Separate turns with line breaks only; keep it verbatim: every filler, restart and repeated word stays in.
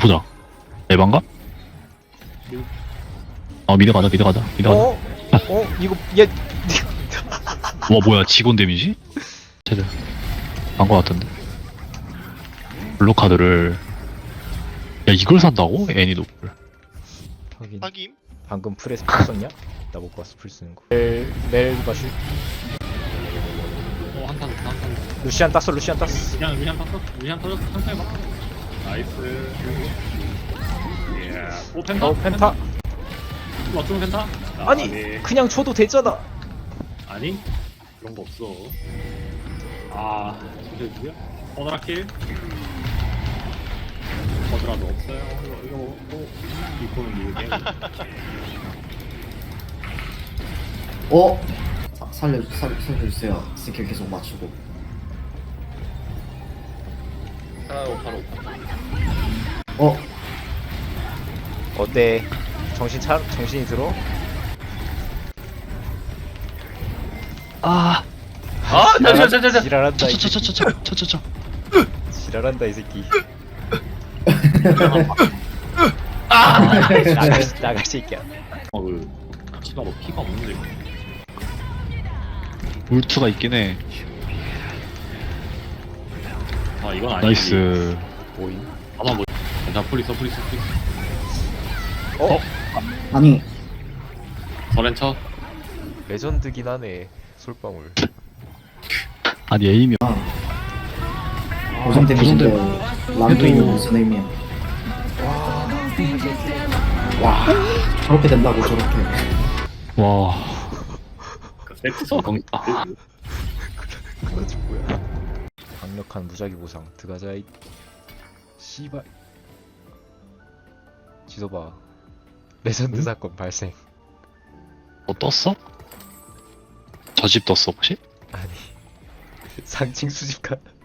보자. 에반가? 어 미드 가자 미드 가자 미드 가자.
어? 어? 이거 얘
와 뭐야 직원 데미지? 쟤들 안거 같은데. 블루 카드를 야 이걸 산다고? 애니 노플.
하긴
확인.
방금 풀에서 풀 썼냐? 나 못 봤어 풀 쓰는 거. 멜 멜바슈
어, 한탄, 한탄.
루시안 땄어 루시안 땄어.
루시안, 루시안 탔어? 루시안 터졌어? 천천히 봐. 나이스. 예. 오, 펜타?
어 펜타?
맞춤 펜타? 아,
아니
네.
그냥 줘도 되잖아.
아니? 그런 거 없어. 아, 진짜 누구야? 어드라킬? 어드라도 없어요. 이거, 이거, 뭐, 이거는 이게.
어? 사, 살려, 살, 살려주세요. 스킬 계속 맞추고.
바로 바로.
어?
어때? 정신 차 정신이 들어?
아
아, 잠시만, 잠시만.
지랄한다 이 새끼.
차차차차차차차차.
지랄한다 이 새끼.
아
나가 나가 새끼야.
어, 그, 키가 뭐 피가 없는데.
울트가 있긴 해.
아, 이건 아니지.
나이스.
뭐임?
아마 뭐, 자, 프리스, 프리스, 프리스.
어?
아니,
서렌처?
레전드긴 하네. 솔방울.
아니 에임이
고정 데미지인데,
고정
란도 있는
해도-
무슨 의미야. 와, 저렇게 된다고, 저렇게.
와
그 세트
성공이다.
그거지 뭐야? 강력한 무작위 보상 드가자이. 씨발. 지도봐. 레전드 사건 발생.
뭐 떴어? 저 집 떴어 혹시?
아니 상징 수집가